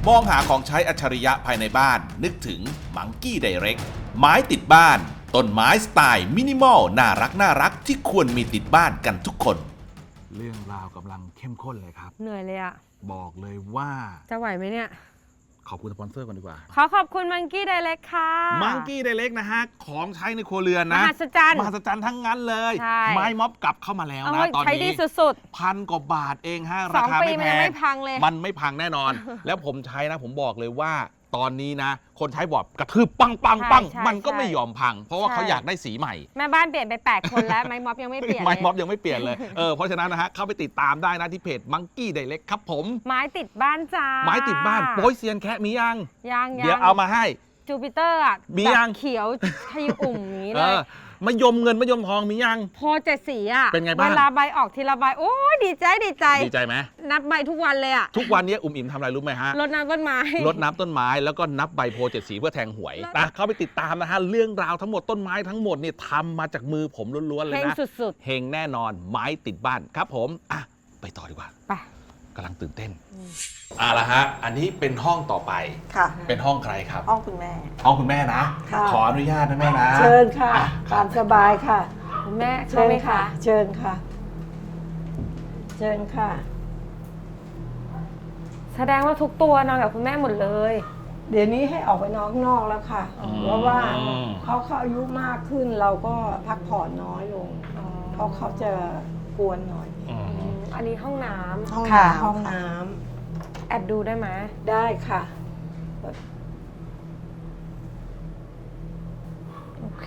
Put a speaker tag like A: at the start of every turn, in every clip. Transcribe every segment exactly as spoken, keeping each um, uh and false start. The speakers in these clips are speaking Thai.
A: มองหาของใช้อัจฉริยะภายในบ้านนึกถึงมังกี้ไดเรกไม้ติดบ้านต้นไม้สไตล์มินิมอลน่ารักน่ารักที่ควรมีติดบ้านกันทุกคนเรื่องราวกำลังเข้มข้นเลยครับ
B: เหนื่อยเลยอะ
A: บอกเลยว่า
B: จะไหวไหมเนี่ย
A: ขอบคุณสปอนเซอร์ก่อนดีกว่า
B: ขอขอบคุณมังกี้ไดเรกค่ะ
A: มังกี้ไดเรกนะฮะของใช้ในครัวเรือนนะ
B: มหัศจรรย์
A: มหัศจรรย์ทั้งนั้นเลยไม้ม็อบกลับเข้ามาแล้วนะตอนนี้ใช้
B: ดีสุด
A: ๆพันกว่าบาทเองฮะราคาไม่แพง
B: ไม่พังเลย
A: มันไม่พังแน่นอน แล้วผมใช้นะผมบอกเลยว่าตอนนี้นะคนใช้บอกกระทืบปังปังปังมันก็ไม่ยอมพังเพราะว่าเขาอยากได้สีใหม่
B: แม่บ้านเปลี่ยนไปแปดคนแล้วไม้ม็อบยังไม่เปลี่ยน
A: ไม้ม็อบยังไม่เปลี่ยนเลยเออเพราะฉะนั้นนะฮะเข้าไปติดตามได้นะที่เพจมังกี้ไดเรกครับผม
B: ไม้ติดบ้านจ้า
A: ไม้ติดบ้านโป้ยเซียนแคะมียัง
B: ยัง
A: เดี๋ยวเอามาให้
B: จูปิเตอร์อ่ะ
A: มียัง
B: เขียวขยุอุ่มนี้เลย
A: มะยมเงินมะยมทองมียัง
B: โพเจ็ดสีอ่ะ
A: เป็นไงบ้าง
B: เวลาใบออกทีละใบโอ้ยดีใจดีใจ
A: ดีใจไหม
B: นับใบทุกวันเลยอ่ะ
A: ทุกวันนี้อุ้มอิ่มทำอะไรรู้ไหมฮะ
B: รดน้ำต้นไม้
A: รดน้ำต้นไม้แล้วก็นับใบโพเจ็ดสีเพื่อแทงหวยนะเข้าไปติดตามนะฮะเรื่องราวทั้งหมดต้นไม้ทั้งหมดเนี่ยทำมาจากมือผมล้วนๆเลยนะ
B: เฮงสุด
A: ๆเฮงแน่นอนไม้ติดบ้านครับผมอ่ะไปต่อดีกว่า
B: ไป
A: กำลังตื่นเต้นอ่ะละฮะอันนี้เป็นห้องต่อไป
C: ค่ะ
A: เป็นห้องใครครับ
C: ห้องคุณแม่
A: ห้องคุณแม่นะขออนุญาตนะแม่นะ
C: เชิญค่ะตามสบายค่ะ
B: คุณแม่เชิญค่ะ
C: เชิญค่ะเชิญค่ะ
B: แสดงว่าทุกตัวนอนกับคุณแม่หมดเลย
C: เดี๋ยวนี้ให้ออกไปนอกนอกแล้วค่ะเพราะว่าเขาเขาอายุมากขึ้นเราก็พักผ่อนน้อยลงเพราะเขาจะกวนหน่อย
B: อันนี้ห้องน้
C: ำค่ะห้องน้
B: ำแอบดูได้ไหม
C: ได้ค่ะ
B: โอเค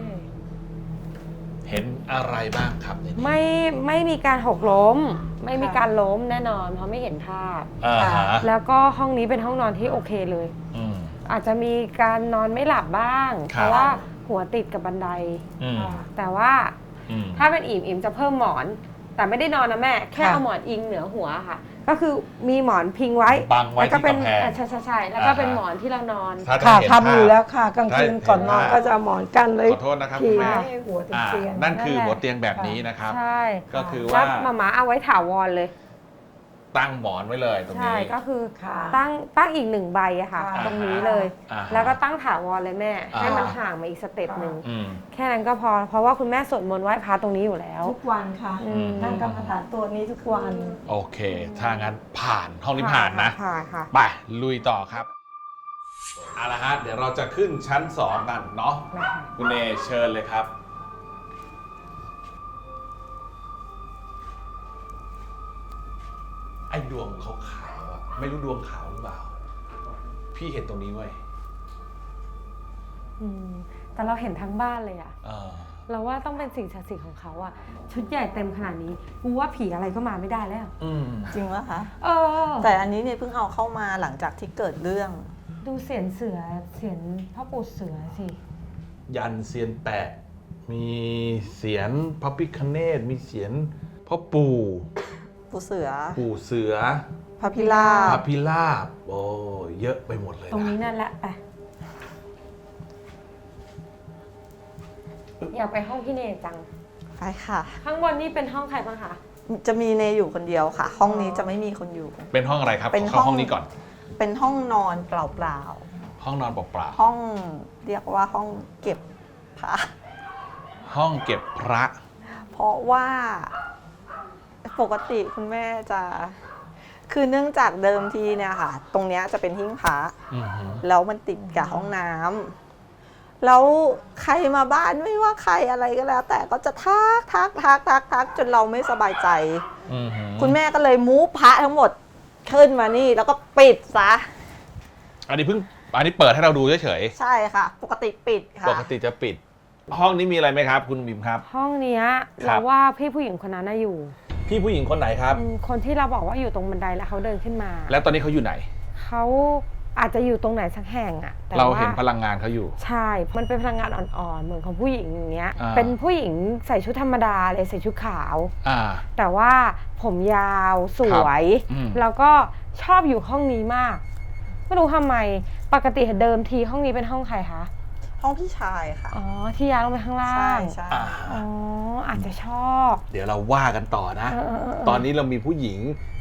A: เห็นอะไรบ้างครับ
B: ไม่ไม่มีการหกล้มไม่มีการล้มแน่นอนเพราะไม่เห็นภาพแล้วก็ห้องนี้เป็นห้องนอนที่โอเคเลยอาจจะมีการนอนไม่หลับบ้างเพราะว่าหัวติดกับบันไดแต่ว่าถ้าเป็นอิ่มอิ่มจะเพิ่มหมอนแต่ไม่ได้นอนนะแม่แค่เอาหมอนอิงเหนือหัวค่ะก็คือมีหมอนพิงไว้
A: บังไว้ที่กำแพง
B: ใช่ใช่ใช่แล้วก็เป็นหมอนที่เรานอน
C: ค่ะทำอยู่แล้วค่ะกลางคืนก่อนนอนก็จะหมอนกันเลย
A: ขอโทษนะครับคุณแม่
C: หัวเตียง
A: นั่นคือหัวเตียงแบบนี้นะครับ
B: ใช่
A: ก็คือว่า
B: มาม่าเอาไว้ถาวรเลย
A: ตั้งหมอนไว้เลยตรงนี้
B: ใช่ก็คือตั้งตั้งอีกหนึ่งใบอะค่ะตรงนี้เลยแล้วก็ตั้งถาวรเลยแม่ให้มันห่างมาอีกสเต็ปหนึ่งแค่นั้นก็พอเพราะว่าคุณแม่สวดมนต์ไหว้พระตรงนี้อยู่แล้ว
C: ทุกวันค่ะนั่งกรรมฐานตัวนี้ทุกวัน
A: โอเคถ้างั้นผ่านห้องนี้ผ่านนะ
B: ผ่านค่ะ
A: ไปลุยต่อครับเอาละฮะเดี๋ยวเราจะขึ้นชั้นสองกันเนาะคุณเนเชิญเลยครับไอ้ดวงขาวๆอ่ะไม่รู้ดวงขาวหรือเปล่าพี่เห็นตรงนี้เว้ย
B: แต่เราเห็นทั้งบ้านเลยอ่ะเราว่าต้องเป็นสิ่งศักดิ์สิทธิ์ของเขาอ่ะชุดใหญ่เต็มขนาดนี้กูว่าผีอะไรก็มาไม่ได้แล้ว
C: จริงวะคะ
B: เออ
C: แต่อันนี้เนี่ยเพิ่งเอาเข้ามาหลังจากที่เกิดเรื่อง
B: ดูเสียนเสือเสียนพ่อปู่เสือสิ
A: ยันเสียนแปะมีเสียนพระพิฆเนศมีเสียนพ่อปู่
C: ปู่เสือ
A: ปู่เสือ
C: พระพิราบ
A: พระพิราบโอ้เยอะไปหมดเลย
B: ตรงนี้นั่นแหละไปอยากไปห้องพี่เนจัง
C: ไปค่ะ
B: ข้างบนนี่เป็นห้องใครบ้างคะ
C: จะมีเนอยู่คนเดียวค่ะห้องนี้จะไม่มีคนอยู่
A: เป็นห้องอะไรครับเข้าห้องนี้ก่อน
C: เป็นห้องนอนเปล่า
A: ๆห้องนอนเปล่า
C: ๆห้องเรียกว่าห้องเก็บพระ
A: ห้องเก็บพระ
C: เพราะว่าปกติคุณแม่จะคือเนื่องจากเดิมทีเนี่ยค่ะตรงเนี้ยจะเป็นหิ้งพระแล้วมันติดกับห้องน้ำแล้วใครมาบ้านไม่ว่าใครอะไรก็แล้วแต่ก็จะทักทักทักทักทักจนเราไม่สบายใจคุณแม่ก็เลยมูฟพระทั้งหมดขึ้นมานี่แล้วก็ปิดซะ
A: อันนี้เพิ่งอันนี้เปิดให้เราดูเฉย
C: ๆใช่ค่ะปกติปิดค่ะ
A: ปกติจะปิดห้องนี้มีอะไรไหมครับคุณบิมครับ
B: ห้องนี้เราว่าพี่ผู้หญิงคนนั้นน่ะอยู่
A: พี่ผู้หญิงคนไหนครับ
B: คนที่เราบอกว่าอยู่ตรงบันไดแล้วเขาเดินขึ้นมา
A: แล้วตอนนี้เขาอยู่ไหน
B: เขาอาจจะอยู่ตรงไหนสักแห่งอะ
A: เราเห็นพลังงานเขาอยู่
B: ใช่มันเป็นพลังงานอ่อนๆเหมือนของผู้หญิงอย่างเงี้ยเป็นผู้หญิงใส่ชุดธรรมดาเลยใส่ชุดขาวแต่ว่าผมยาวสวยแล้วก็ชอบอยู่ห้องนี้มากไม่รู้ทำไมปกติเดิมทีห้องนี้เป็นห้องใครคะ
C: ห้องพี่ชายค่ะ
B: อ๋อที่ย้ายลงไปข้างล่าง
C: ใช่
B: ใช่อ๋ออาจจะชอบ
A: เดี๋ยวเราว่ากันต่อนะตอนนี้เรามีผู้หญิง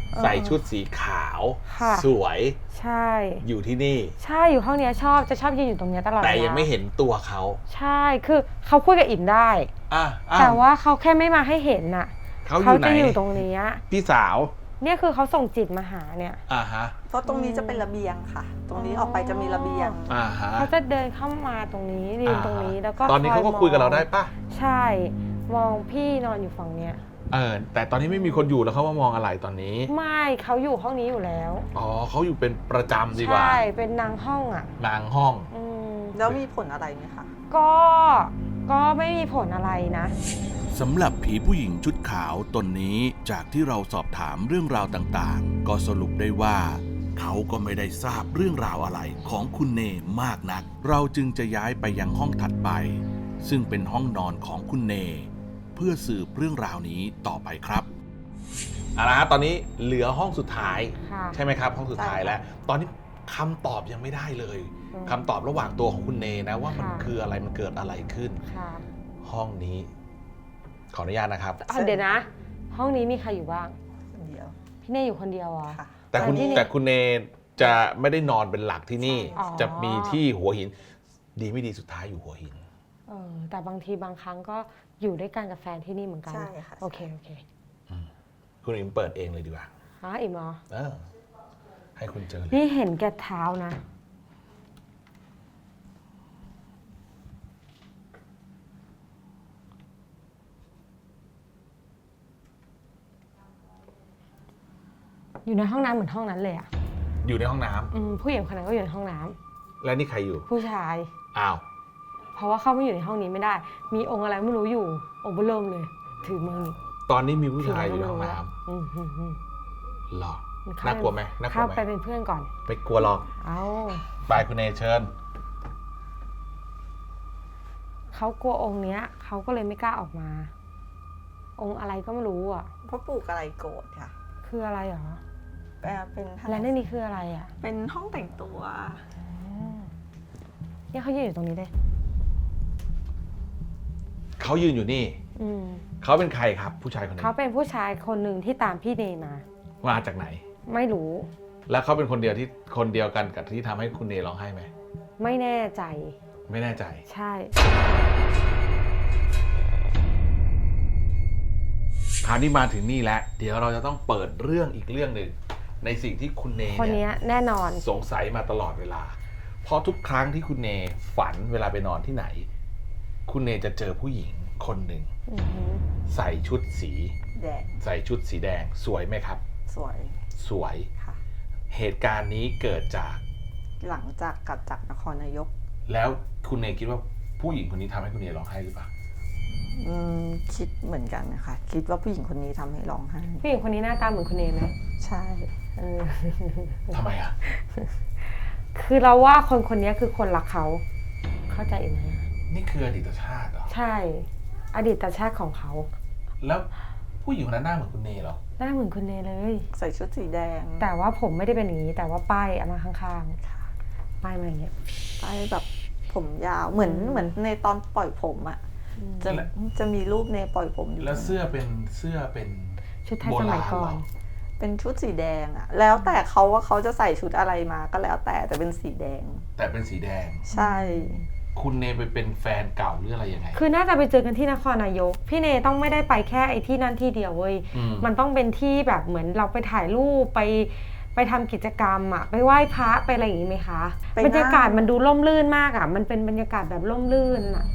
A: ใส่ชุดสีขาว
B: ค่ะ
A: สวย
B: ใช่
A: อยู่ที่นี่
B: ใช่อยู่ห้องเนี้ยชอบจะชอบยืนอยู่ตรงเนี้ยตลอด
A: แต่
B: เวลา
A: ยังไม่เห็นตัวเขา
B: ใช่คือเขาคุยกับอิ่มได้
A: อ่ะอ้
B: แต่ว่าเขาแค่ไม่มาให้เห็นน่ะ
A: เขาอยู่ไหน
B: จะอยู่ตรงเนี้ย
A: พี่สาว
B: เนี่ยคือเขาส่งจิตมาหาเนี่ย
A: อ่าฮะ
C: เพราะตรงนี้จะเป็นระเบียงค่ะ ตรงนี้ออกไปจะมีระเบียง
A: อ่าฮะ
B: เขาจะเดินเข้ามาตรงนี้ยืนตรงนี้แล้วก็
A: ตอนนี้เขาก็
B: มง
A: คุยกับเราได้ปะ
B: ใช่ มองพี่นอนอยู่ฝั่งเนี้ย
A: เออแต่ตอนนี้ไม่มีคนอยู่แล้วเขาว่ามองอะไรตอนนี้
B: ไม่เขาอยู่ห้องนี้อยู่แล้ว
A: อ๋อเขาอยู่เป็นประจำดีกว่า
B: ใช่เป็นนางห้องอ่ะ
A: นางห้อง
B: อืม
C: แล้วมีผลอะไรไหมคะ
B: ก็ก็ไม่มีผลอะไรนะ
A: สำหรับผีผู้หญิงชุดขาวตนนี้จากที่เราสอบถามเรื่องราวต่างๆ ก็สรุปได้ว่า เขาก็ไม่ได้ทราบเรื่องราวอะไรของคุณเนมากนัก เราจึงจะย้ายไปยังห้องถัดไป ซึ่งเป็นห้องนอนของคุณเน เพื่อสืบเรื่องราวนี้ต่อไปครับเอาละฮะตอนนี้เหลือห้องสุดท้าย
B: ค่ะ
A: ใช่ไหมครับ ห้องสุดท้าย
C: ใช่ค่ะ
A: แล้ว ตอนนี้คำตอบยังไม่ได้เลย
B: อืม
A: คำตอบระหว่างตัวของคุณเนนะว่ามัน
B: ค่ะ
A: คืออะไรมันเกิดอะไรขึ้น
B: ค่ะ
A: ห้องนี้ ขออนุญาตนะครับ
B: เอาเดี๋ยวนะ ห้องนี้มีใครอยู่บ้าง
C: คนเดียว
B: พี่เน่อยู่คนเดียวเหรอ
C: ค่ะ
A: แต่คุณ
B: แต่ที่นี่
A: แต่คุณเนจะไม่ได้นอนเป็นหลักที่นี่
B: อ๋อ
A: จะมีที่หัวหิน ดีไม่ดีสุดท้ายอยู่หัวหิน
B: เออแต่บางทีบางครั้งก็อยู่ด้วยกันกับแฟนที่นี่เหมือนกัน
C: ใช่ค่ะ
B: โอเคโอเค
A: คุณอิมเปิดเองเลยดีกว่า
B: อ๋ออิ่มเหรอ
A: เออ ให้คุณเจอเลย
B: นี่เห็นแกเท้านะ อยู่ในห้องน้ำเหมือนห้องนั้นเลยอ่ะ
A: อยู่ในห้องน้ำ
B: อืมผู้หญิงคนนั้นก็อยู่ในห้องน้ำ
A: และนี่ใครอยู่
B: ผู้ชาย
A: อ้าว
B: เพราะว่าเข้าไม่อยู่ในห้องนี้ไม่ได้ มีองค์อะไรไม่รู้อยู่ องค์เบอร์เริ่มเลย ถือมือนี่
A: ตอนนี้มีผู้
B: ถื
A: ชายอยู่ใน
B: ะไร
A: ห้อง
B: ไม่
A: น้
B: รู้อืมอืมอืม
A: ำหรอ
B: เข้
A: น่ากลัวไหมน่ากลั
B: เข้าว
A: ไหม
B: ไปเป็นเพื่อนก่อน
A: ไม่กลัวหรอก
B: เอา
A: ไปคุณเนเชิญ
B: เขากลัวองค์เนี้ยเขาก็เลยไม่กล้าออกมา องค์อะไรก็ไม่รู้อ่ะ
C: เพราะปลูกอะไรโกรธค่ะ
B: คืออะไรหรอ
C: แปลเป็น
B: และในนี้คืออะไรอ่ะ
C: เป็นห้องแต่งตัว
B: เนี่ยเขายืนอยู่ตรงนี้เลย
A: เขายืนอยู่นี่
B: อืม
A: เขาเป็นใครครับ ผู้ชายคนนี้
B: เขาเป็นผู้ชายคนหนึ่งที่ตามพี่เนมา
A: มาจากไหน
B: ไม่รู้
A: แล้วเขาเป็นคนเดียวที่คนเดียวกันกับที่ทำให้คุณเนร้องไห้ไหม
B: ไม่แน่ใจ
A: ไม่แน่ใจ
B: ใช่
A: คราวนี้มาถึงนี่แล้ว เดี๋ยวเราจะต้องเปิดเรื่องอีกเรื่องหนึ่งในสิ่งที่คุณเน
B: คน
A: เนี่ย
B: เนี้ยแน่นอน
A: สงสัยมาตลอดเวลา เพราะทุกครั้งที่คุณเนฝันเวลาไปนอนที่ไหน คุณเนจะเจอผู้หญิงคนหนึ่ง
B: อือหือ
A: ใส่ชุดสี
C: แดด
A: ใส่ชุดสีแดงสวยไหมครับ
C: สวย
A: สวย
C: ค่ะ
A: เหตุการณ์นี้เกิดจาก
C: หลังจากกลับจากนครนายก
A: แล้วคุณเนคิดว่าผู้หญิงคนนี้ทำให้คุณเนร้องไห้หรือเปล่า
C: อืมคิดเหมือนกันนะคะ คิดว่าผู้หญิงคนนี้ทำให้ร้องไห้
B: ผู้หญิงคนนี้หน้าตาเหมือนคุณเนไหม
C: ใช่
B: เออ
A: ทำไมอ่ะ
B: คือเราว่าคนคนนี้คือคนรักเขา เข้าใจไหมอะ
A: นี่คืออดีตชาติเหรอ
B: ใช่ อดีตชาติของเขา
A: แล้วผู้หญิงคนนั้นหน้าเหมือนคุณเนเหรอ
B: หน้าเหมือนคุณเนเลย
C: ใส่ชุดสีแดง
B: แต่ว่าผมไม่ได้เป็นอย่างนี้ แต่ว่าป้ายเอามาข้างๆ ป้ายมาอย่างเงี้ย
C: ไปแบบผมยาว เหมือน
B: อืม
C: เหมือนในตอนปล่อยผมอะจะจะมีรูปในปล่อยผมอยู่
A: แล้วเสื้อเป็นเสื้อเป็น
B: ชุดไทยสมัยก่อน
C: เป็นชุดสีแดงอะแล้วแต่เขาว่าเขาจะใส่ชุดอะไรมาก็แล้วแต่แต่เป็นสีแดง
A: แต่เป็นสีแดง
C: ใช่
A: คุณเนไปเป็นแฟนเก่าหรืออะไรยังไง
B: คือน่าจะไปเจอกันที่นครนายก พี่เนต้องไม่ได้ไปแค่ไอ้ที่นั่นที่เดียวเว้ย
A: อืม
B: มันต้องเป็นที่แบบเหมือนเราไปถ่ายรูปไปไปทำกิจกรรมอะไปไหว้พระไปอะไรอย่างงี้ไหมคะ
C: ไปนั่ง
B: บรรยากาศมันดูร่มรื่นมากอะมันเป็นบรรยากาศแบบร่มรื่นอะ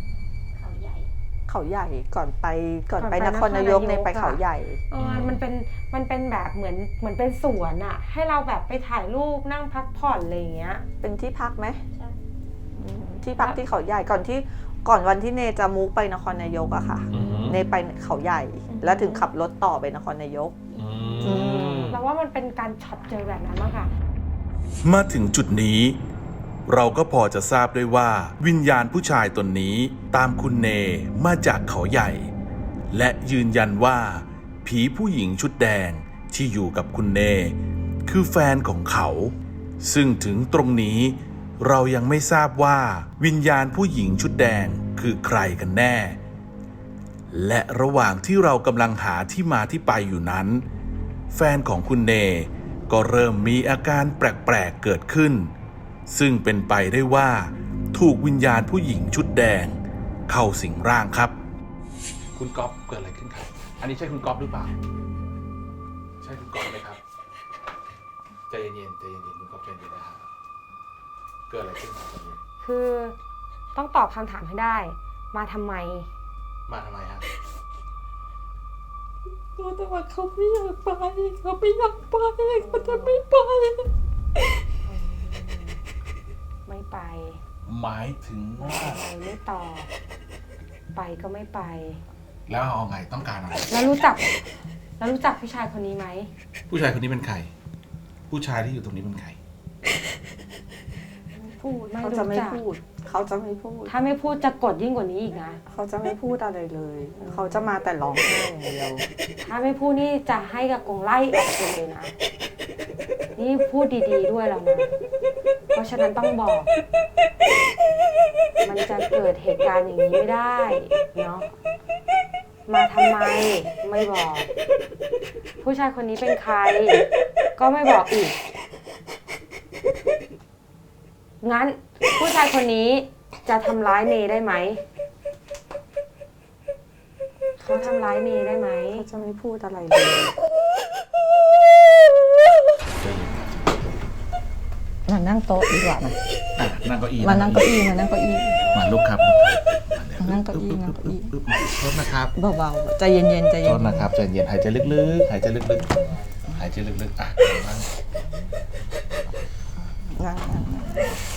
C: เขาใหญ่ก่อนไปก่อน
B: ก่อน
C: ไป
B: ไป
C: นครนายก
B: นครนายก
C: ในไปเขา
B: อะ
C: ใหญ่
B: เออมันเป็นมันเป็นแบบเหมือนเหมือนเป็นสวนอะให้เราแบบไปถ่ายรูปนั่งพักผ่อนอะไรอย่างเงี้ย
C: เป็นที่พักไหมอืมที่พักที่เขาใหญ่ก่อนที่ก่อนวันที่เนจะมูฟไปนครนายกอะค่ะ
A: อืม
C: เนไปเขาใหญ่ แล้วถึงขับรถต่อไปนครนายก
A: อืม
B: เราว่ามันเป็นการช็อตเจอแบบนั้นมากค่ะ
A: มาถึงจุดนี้ เราก็พอจะทราบได้ว่าวิญญาณผู้ชายตนนี้ตามคุณเนมาจากเขาใหญ่ และยืนยันว่า ผีผู้หญิงชุดแดงที่อยู่กับคุณเน คือแฟนของเขา ซึ่งถึงตรงนี้ เรายังไม่ทราบว่าวิญญาณผู้หญิงชุดแดงคือใครกันแน่ และระหว่างที่เรากำลังหาที่มาที่ไปอยู่นั้นแฟนของคุณเนก็เริ่มมีอาการแปลกๆเกิดขึ้นซึ่งเป็นไปได้ว่าถูกวิญญาณผู้หญิงชุดแดงเข้าสิงร่างครับคุณก๊อฟเกิดอะไรขึ้นครับอันนี้ใช่คุณก๊อฟหรือเปล่าใช่คุณก๊อฟไหมครับใจเย็นๆใจเย็นๆคุณก๊อฟใจเย็นนะครับเกิดอะไรขึ้นครับตอนนี้
B: คือต้องตอบคำถามให้ได้ มาทำไม
A: มาทำไมฮะ
C: แต่ว่าเขาไม่อยากไปเขาไม่อยากไปเขาจะไม่ไป
B: ไม่ไป
A: หมายถึงว่า
B: ไปไม่ตอบไปก็ไม่ไป
A: แล้วเอาไงต้องการอะไร
B: แล้วรู้จัก แล้วรู้จักผู้ชายคนนี้ไหม
A: ผู้ชายคนนี้เป็นใครผู้ชายที่อยู่ตรงนี้เป็นใคร
B: พูดไม่
C: เขา
B: รู้
C: จะไม่
B: จัก
C: พูดเขาจะไม่พูด
B: ถ้าไม่พูดจะกดยิ่งกว่านี้อีกนะ
C: เขาจะไม่พูดอะไรเลย เขาจะมาแต่ร้องไห้อย่างเดียว
B: ถ้าไม่พูดนี่จะให้กับกงไล่ออกไปเลยนะ นี่พูดดีๆด้วยแล้วนะ เพราะฉะนั้นต้องบอก มันจะเกิดเหตุการณ์อย่างนี้ไม่ได้เนาะ มาทำไมไม่บอก ผู้ชายคนนี้เป็นใคร ก็ไม่บอกอีก งั้นผู้ชายคนนี้จะทำร้ายเนได้ไหม เขาทำร้ายเนได้ไหม
C: เขาจะไม่พูดอะไรเลย มานั่งโต๊ะดีกว่ามา
A: อ่ะนั่งเก้าอี้
C: มานั่งเก้าอี้มานั่งเก้าอี้
A: มาลุกครับ
C: มานั่งเก้าอี้นั่งเก้าอี้
A: ปึ๊บปึ๊บปึ๊บโทษนะครับ
C: เบาๆใจเย็นๆใจ
A: โท
C: เย็น
A: ษนะครับใจเย็นหายใจลึกๆหายใจลึกๆหายใจลึกๆอ่ะนั่ง
C: นั่งนั่งนั่ง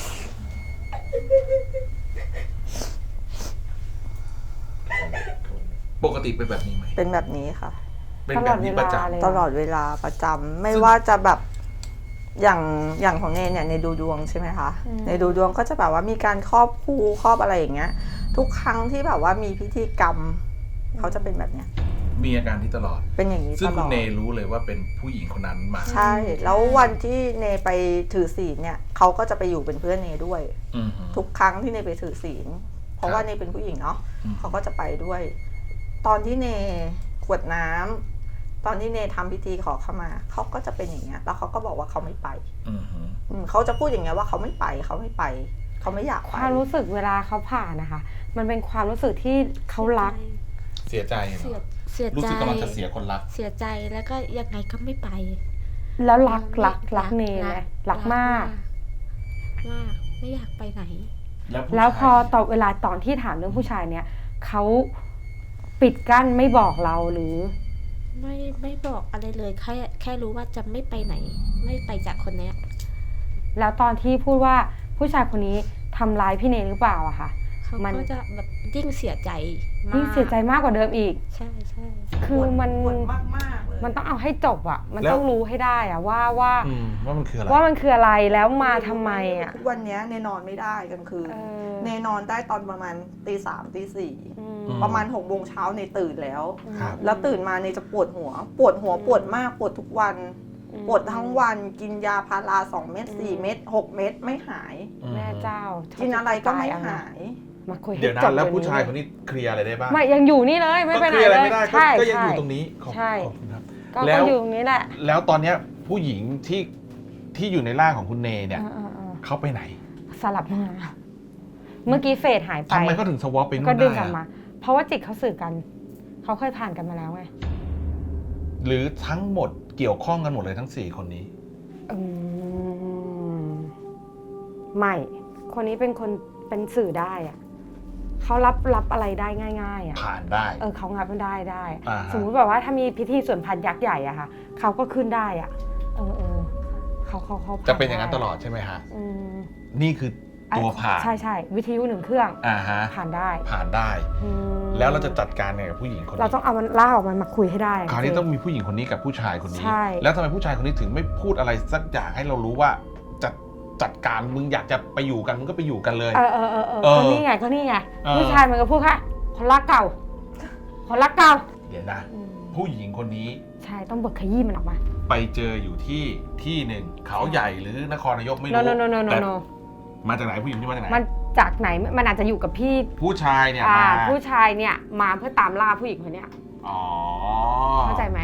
A: ปกติเป็นแบบนี้ไหม
C: เป็นแบบนี้ค่ะ
A: เป็นแบบนี้ประจำ
B: เลย
C: ตลอดเวลาประจำไม่ว่าจะแบบอย่างอย่างของเนเนี่ยในดูดวงใช่ไหมคะในดูดวงก็จะแบบว่ามีการครอบครูครอบอะไรอย่างเงี้ย ทุกครั้งที่แบบว่ามีพิธีกรรมเขาจะเป็นแบบเนี้ย
A: มีอาการที่ตลอด
C: เป็นอย่างนี้
A: ซึ่ง
C: ตล
A: คุ
C: อ
A: ณ
C: ด
A: เนรู้เลยว่าเป็นผู้หญิงคนนั้นมา
C: ใช่ แล้ววันที่เนไปถือศีลเนี่ยเขาก็จะไปอยู่เป็นเพื่อนเนด้วย
A: อืมฮึ
C: ทุกครั้งที่เนไปถือศีลเพราะว่าเนเป็นผู้หญิงเนาะ
A: อืม
C: เขาก็จะไปด้วย ตอนที่เนกรวดน้ำตอนที่เนทำพิธีขอขมาเขาก็จะเป็นอย่างเงี้ยแล้วเขาก็บอกว่าเขาไม่ไป
A: อืมฮึ
C: อืมเขาจะพูดอย่างเงี้ยว่าเขาไม่ไปเขาไม่ไปเขาไม่อยากไป
B: ความรู้สึกเวลาเขาผ่านนะคะ มันเป็นความรู้สึกที่เขารัก
A: เสียใจเหร
D: เสีย
A: อ
D: เสีย
A: รู้
D: ใจ
A: สึกกำลังจะเสียคนรัก
D: เสียใจแล้วก็ยังไงก็ไม่ไป
B: แล้วรักรักรักเนไหมรักมาก
D: มากไม่อยากไปไหน
A: แล้วผู้
B: แล้วพอ
A: ชาย
B: ตอบเวลาตอนที่ถามเรื่องผู้ชายเนี่ยเขาปิดกั้นไม่บอกเราหรือ
D: ไม่ไม่บอกอะไรเลยแค่แค่รู้ว่าจะไม่ไปไหน ไม่ไปจากคนเนี้ย
B: แล้วตอนที่พูดว่าผู้ชายคนนี้ทำร้ายพี่เนหรือเปล่าอะค่ะ
D: เขา
B: มัน
D: ก็จะแบบยิ่งเสียใจมาก
B: นี่เสียใจมากกว่าเดิมอีก
D: ใช่ใช่
B: คือมัน
C: ปวดมากมากๆเลย
B: มันต้องเอาให้จบอะมันต้องรู้ให้ได้อะว่าว่า
A: อืมว่ามันคืออะไร
B: ว่ามันคืออะไรแล้วมาทำไมอะ
C: ทุกวันเนี้ยเนนอนไม่ได้กลางคืน
B: เออ
C: เนนอนได้ตอนประมาณตีสามตีสี่
B: อืม
C: ประมาณหกโมงเช้าเนตื่นแล้ว
A: ครับ
C: แล้วตื่นมาเนจะปวดหัว ปวดหัวปวดมากปวดทุกวัน ปวดทั้งวันกินยาพาราสองเม็ดสี่เม็ดหกเม็ดไม่หาย
A: อืม
B: แม่เจ้า
C: กินอะไรก็ไม่หาย
B: มาคุยให้
A: เดี๋ยวนะ
B: จบ
A: แล้ว
B: เดี๋ย
A: ผู้ชาย
B: นี้
A: คนนี้เคลียร์อะไรได้บ้าง
B: ไม่ยังอยู่นี่เลยไม่ไปไหน
A: ก็เคลียร์อะไร
B: เลย
A: ไม่ได้ก็
B: ใช่
A: ก็ยัง
B: ใช่
A: อยู่ตรงนี้ขอบ
B: ใช่
A: ขอบคุณครับ
B: ก็
A: แล้
B: ก็
A: ว
B: อยู่ตรงนี้แหละ
A: แล้วตอนเนี้ยผู้หญิงที่ที่อยู่ในร่างของคุณเนเนี่ย
B: เออเออเออ
A: เขาไปไหน
B: สลับมาเมื่อกี้เฟดหายไป
A: ทำไมเขาถึงสวอปไปนู่น
B: ก็ดึง
A: ได้
B: กลับมา
A: อะ
B: เพราะว่าจิตเขาสื่อกัน เขาเคยผ่านกันมาแล้วไง
A: หรือทั้งหมดเกี่ยวข้องกันหมดเลยทั้งสี่คนนี้
B: อืมไม่ คนนี้เป็นคนเป็นสื่อได้อะเขารับรับอะไรได้ง่ายๆอะ
A: ผ่านได้
B: เออเขางับมันได้ได้
A: อ่าฮะ
B: สมมุติแบบว่าถ้ามีพิธีสวนพันยักษ์ใหญ่อะค่ะเขาก็ขึ้นได้อะเออเออเขาเขาเขาผ่
A: จะเป็นอย่างนั้นตลอดใช่ไหมฮะ
B: อืม
A: นี่คือตัวผ่าน
B: ใช่ใช่วิทยุหนึ่งเครื่อง
A: อ่าฮะ
B: ผ่านได้
A: ผ่านได้
B: อืม
A: แล้วเราจะจัดการไงกับผู้หญิงคน
B: เรา
A: นี้
B: ต้องเอามันล่าออกมันมาคุยให้ได้ะ
A: คราวนี้
B: เจ
A: ต้องมีผู้หญิงคนนี้กับผู้ชายคนนี้
B: ใช่
A: แล้วทำไมผู้ชายคนนี้ถึงไม่พูดอะไรสักอย่างให้เรารู้ว่าจะจัดการมึงอยากจะไปอยู่กันมึงก็ไปอยู่กันเลย
B: เออเออเออเออ
A: เออ
B: ก็นี่ไงก็นี่ไง
A: เออ
B: ผู้ชายมันก็พูดค่ะคนรักเก่า คนรักเก่า
A: เดี๋ยวนะ
B: อืม
A: ผู้หญิงคนนี้
B: ใช่ต้องเบิกขยี้มันออกมา
A: ไปเจออยู่ที่ที่หนึ่งเขาใหญ่หรือนครนายกไม่
B: โน
A: รู้
B: โนโนโนโน
A: แต่
B: โน
A: มาจากไหนผู้หญิงที่มาจากไหน
B: มันจากไหนมันอาจจะอยู่กับพี่
A: ผู้ชายเนี่ย
B: อ่า
A: มา
B: ผู้ชายเนี่ยมาเพื่อตามล่าผู้หญิงคนเนี้ย
A: อ๋อ
B: เข้าใจไหม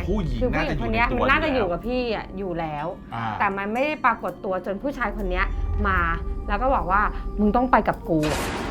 A: ผู้หญิง
B: คือผู้หญิงคนเนี้ย
A: น่าจะอยู่ในตัว
B: มันน่าจะ
A: อยู่
B: อยู่
A: แล้ว
B: กับพี่อ่ะอยู่แล้ว
A: อ่า
B: แต่มันไม่ได้ปรากฏตัวจนผู้ชายคนเนี้ยมา แล้วก็บอกว่ามึงต้องไปกับกู
A: อ